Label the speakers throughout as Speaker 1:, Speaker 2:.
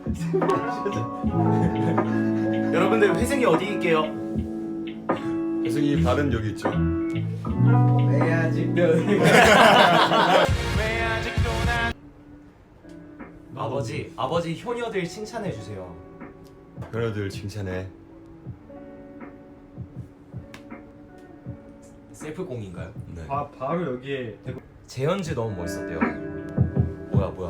Speaker 1: 여러분들 회생이 어디 있게요?
Speaker 2: 회승이 발은 여기 있죠.
Speaker 3: 왜 아직도
Speaker 1: 아버지 효녀들 칭찬해 주세요.
Speaker 2: 변호들 칭찬해.
Speaker 1: 셀프 공인가요?
Speaker 2: 네.
Speaker 3: 바로 여기에 대고
Speaker 1: 재현즈 너무 멋있었대요. 뭐야?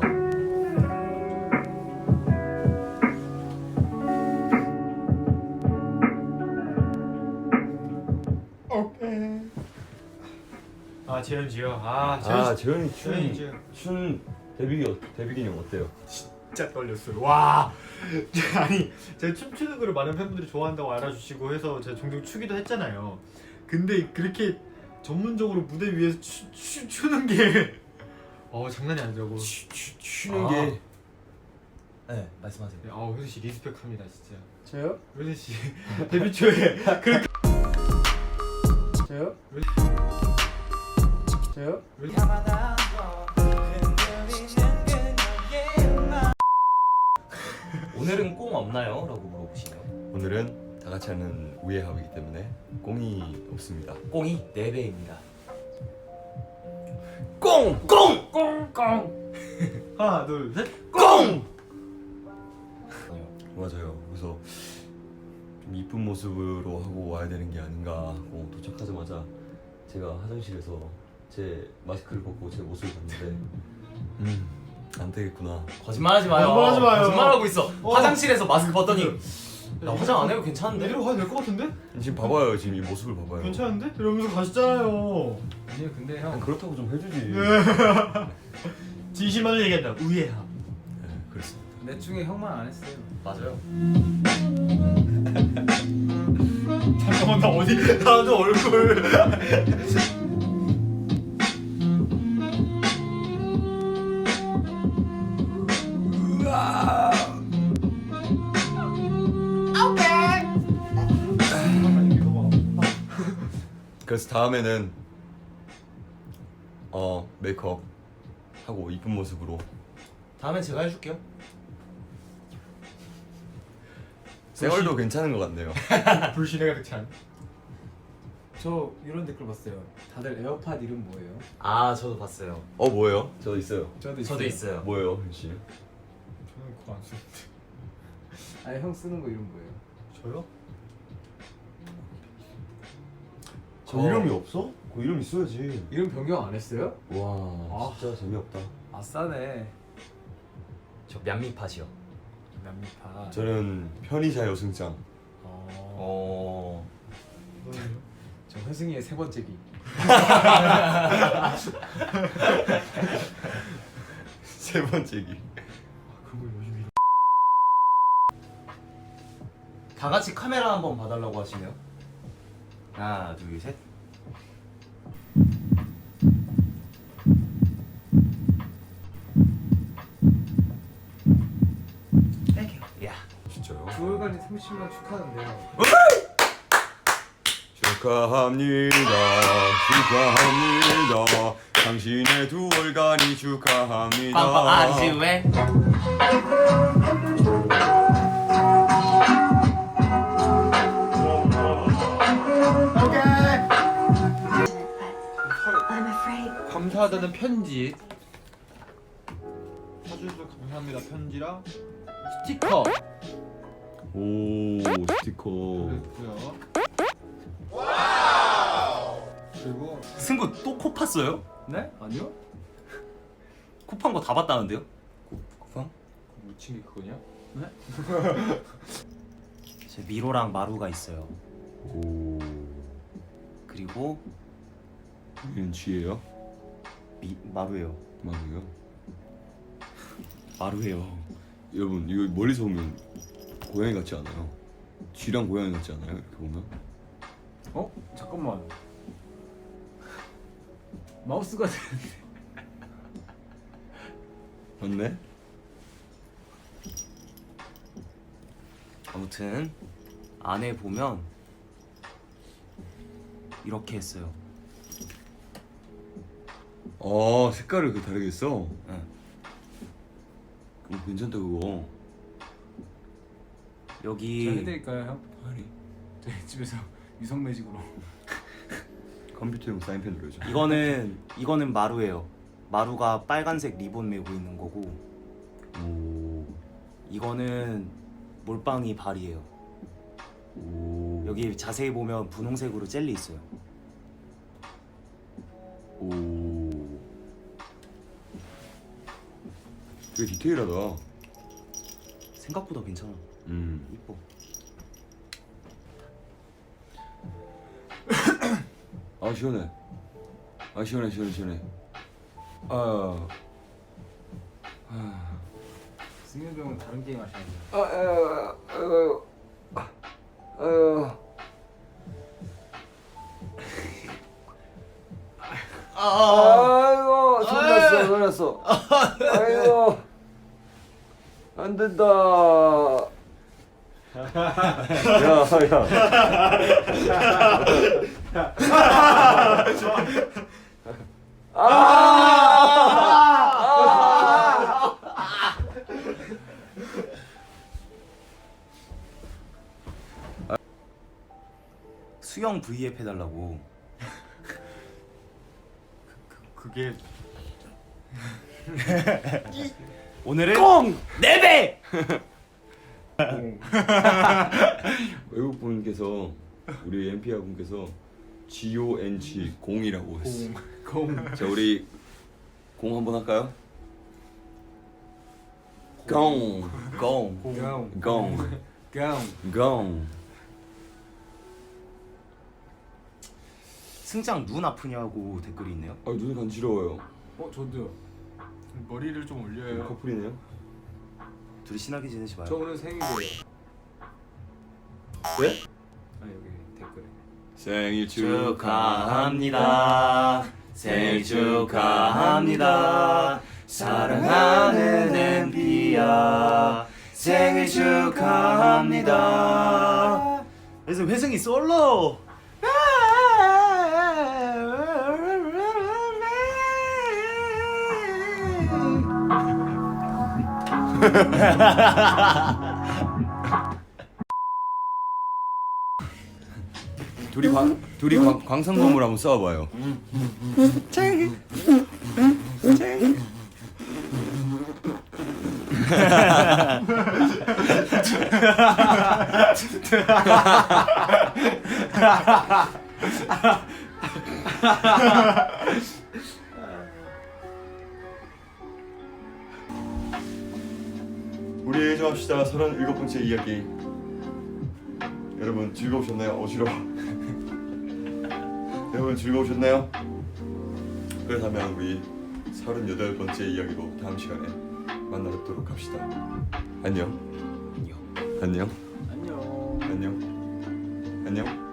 Speaker 3: 재현지요.
Speaker 2: 재현이
Speaker 3: 재현이
Speaker 2: 춘 데뷔 기념 어때요?
Speaker 3: 진짜 떨렸어요. 와. 아니 제가 춤추는 거를 많은 팬분들이 좋아한다고 알아주시고 해서 제가 종종 추기도 했잖아요. 근데 그렇게 전문적으로 무대 위에서 추는 게 장난이 아니라고.
Speaker 2: 추는 게
Speaker 1: 네, 말씀하세요.
Speaker 3: 효수 씨 리스펙합니다 진짜.
Speaker 4: 저요?
Speaker 3: 효수 씨 데뷔 초에 그렇게
Speaker 4: 저요? 저요?
Speaker 1: 오늘은 꽁 없나요? 라고 물어보시네요.
Speaker 2: 오늘은 다 같이 하는 우예합이기 때문에 꽁이 없습니다.
Speaker 1: 꽁이 4배입니다.
Speaker 4: 꽁꽁
Speaker 3: 하나 둘 셋.
Speaker 1: 꽁!
Speaker 2: 맞아요. 그래서 좀 이쁜 모습으로 하고 와야 되는 게 아닌가 하고 도착하자마자 제가 화장실에서 제 마스크를 벗고 제 모습을 봤는데 안 되겠구나.
Speaker 1: 거짓말하지 마요.
Speaker 3: 거짓말하지 마요.
Speaker 1: 거짓말하고 있어. 화장실에서 마스크 벗더니 나 화장 안 해도 괜찮은데?
Speaker 3: 내리러 가야 될 것 같은데?
Speaker 2: 지금 봐봐요. 지금 이 모습을 봐봐요.
Speaker 3: 괜찮은데? 이러면서 가시잖아요.
Speaker 4: 아니요 근데
Speaker 2: 그냥
Speaker 4: 형
Speaker 2: 그렇다고 좀 해주지.
Speaker 3: 진심만을 얘기한다. 우예함.
Speaker 2: 네, 그렇습니다.
Speaker 4: 넷 중에 형만 안 했어요.
Speaker 1: 맞아요.
Speaker 3: 잠깐만 나 어디 나도 얼굴.
Speaker 2: 그래서 다음에는 메이크업 하고 이쁜 모습으로
Speaker 1: 다음엔 제가 해줄게요.
Speaker 2: 쌩얼도 괜찮은 것 같네요.
Speaker 3: 불신의 가득 찬.
Speaker 4: 저 이런 댓글 봤어요. 다들 에어팟 이름 뭐예요?
Speaker 1: 아, 저도 봤어요.
Speaker 2: 뭐예요? 저 있어요.
Speaker 1: 저도 있어요.
Speaker 2: 뭐예요, 현씨?
Speaker 3: 저는 그거 안 쓰는데.
Speaker 4: 아니 형 쓰는 거 이름 뭐예요?
Speaker 3: 저요?
Speaker 2: 저 이름이 없어? 그 이름 있어야지.
Speaker 4: 이름 변경 안 했어요?
Speaker 2: 와, 진짜 재미없다.
Speaker 4: 아싸네.
Speaker 1: 저 얀미팟이요.
Speaker 4: 남미파.
Speaker 2: 저는 편의자 여승장.
Speaker 3: 너는요?
Speaker 4: 저 회승이의 세 번째 기.
Speaker 2: 세 번째 기.
Speaker 3: 그걸 요즘
Speaker 1: 다 같이 카메라 한번 봐달라고 하시네요. 하나, 둘, 셋. 야,
Speaker 2: 진짜요?
Speaker 4: 9월간이 30만 축하한대요.
Speaker 2: 축하합니다. 축하합니다. 당신의 2월간이 축하합니다.
Speaker 1: 빵빵 아지 왜?
Speaker 5: I'm afraid.
Speaker 3: 감사하다는 편지. 사주셔서 감사합니다 편지랑 스티커.
Speaker 2: 오, 스티커.
Speaker 3: 그랬고요. 그리고
Speaker 1: 승구 또 코 팠어요?
Speaker 4: 네? 아니요?
Speaker 1: 코 판 거 다 봤다는데요?
Speaker 2: 쿠팡?
Speaker 3: 묻힌 게 그거냐?
Speaker 1: 제 미로랑 마루가 있어요.
Speaker 2: 오,
Speaker 1: 그리고
Speaker 2: 이건 쥐예요?
Speaker 1: 마루예요.
Speaker 2: 맞아요.
Speaker 1: 마루예요.
Speaker 2: 여러분 이거 멀리서 보면 고양이 같지 않아요? 쥐랑 고양이 같지 않아요? 이렇게 보면?
Speaker 4: 잠깐만. 마우스가 되는데.
Speaker 2: 맞네?
Speaker 1: 아무튼 안에 보면 이렇게 했어요.
Speaker 2: 색깔을 그 다르게 했어?
Speaker 1: 응.
Speaker 2: 괜찮다 그거.
Speaker 4: 제가
Speaker 1: 여기
Speaker 4: 해드릴까요 형?
Speaker 2: 아니
Speaker 4: 저희 집에서 유성 매직으로.
Speaker 2: 컴퓨터용 사인펜 눌러줘.
Speaker 1: 이거는 마루예요. 마루가 빨간색 리본 메고 있는 거고,
Speaker 2: 오.
Speaker 1: 이거는 몰빵이 발이에요.
Speaker 2: 오.
Speaker 1: 여기 자세히 보면 분홍색으로 젤리 있어요.
Speaker 2: 오. 되게 디테일하다.
Speaker 1: 생각보다 괜찮아. 이뻐.
Speaker 2: 아 시원해. 아 시원해. 아.
Speaker 4: 승현 형은 다른 게임 하시는데.
Speaker 2: 아이고 손났어. 아이고 안 된다. 야.
Speaker 1: 수영 V앱 해달라고.
Speaker 3: 그게
Speaker 1: 오늘은 꽁! 4배!
Speaker 2: 외국 분께서 우리 엠피아 분께서 GONG 공이라고 했어.
Speaker 4: 공.
Speaker 2: 자 우리 공 한번 할까요? 공.
Speaker 1: 꽁.
Speaker 2: 공. 공.
Speaker 1: 승장 눈 아프냐고 댓글이 있네요.
Speaker 2: 아 눈이 간지러워요.
Speaker 4: 저도요.
Speaker 3: 머리를 좀 올려요.
Speaker 2: 커플이네요.
Speaker 1: 둘이 친하게 지내지 마요.
Speaker 4: 저 오늘 생일이에요.
Speaker 2: 네?
Speaker 4: 아니 여기 댓글에.
Speaker 2: 생일
Speaker 1: 축하합니다. 생일 축하합니다. 사랑하는 엠비야. 생일 축하합니다. 그래서 회승이 솔로.
Speaker 2: 둘이 광산검을 한번 싸워봐요. 우리 예정합시다. 37번째 이야기. 여러분 즐거우셨나요? 어지러워. 여러분 즐거우셨나요? 그렇다면 우리 38번째 이야기로 다음 시간에 만나뵙도록 합시다. 안녕. 안녕.
Speaker 4: 안녕.
Speaker 2: 안녕. 안녕.